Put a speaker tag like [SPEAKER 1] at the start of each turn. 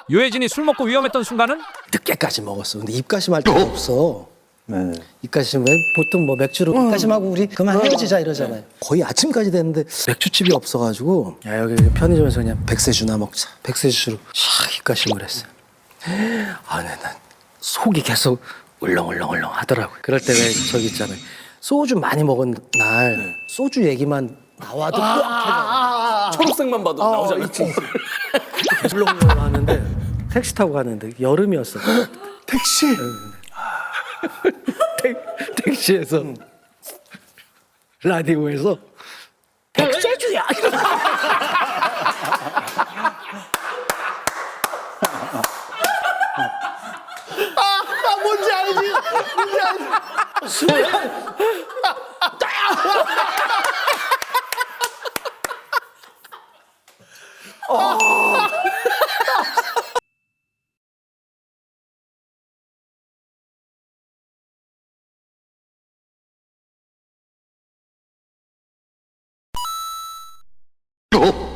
[SPEAKER 1] 유해진이 술 먹고 위험했던 순간은
[SPEAKER 2] 늦게까지 먹었어. 근데 입가심할 데가 없어.
[SPEAKER 3] 네.
[SPEAKER 2] 입가심 왜 보통 뭐 맥주로 입가심하고 우리 그만 헤어지자 이러잖아요. 거의 아침까지 됐는데 맥주집이 없어가지고 야 여기 편의점에서 그냥 백세주나 먹자. 백세주로 샥 입가심을 했어요. 아 근데 난 속이 계속 울렁울렁울렁 하더라고요. 그럴 때 왜 저기 있잖아요. 소주 많이 먹은 날 소주 얘기만 나와도
[SPEAKER 4] 초록색만 봐도 나오잖아.
[SPEAKER 2] 계속 울렁울렁 하는데 택시 타고 가는데 여름이었어.
[SPEAKER 3] 택시.
[SPEAKER 2] 택시에서 라디오에서 백세주야.
[SPEAKER 3] 뭔지 알지? 뭔지 알지?
[SPEAKER 4] 어?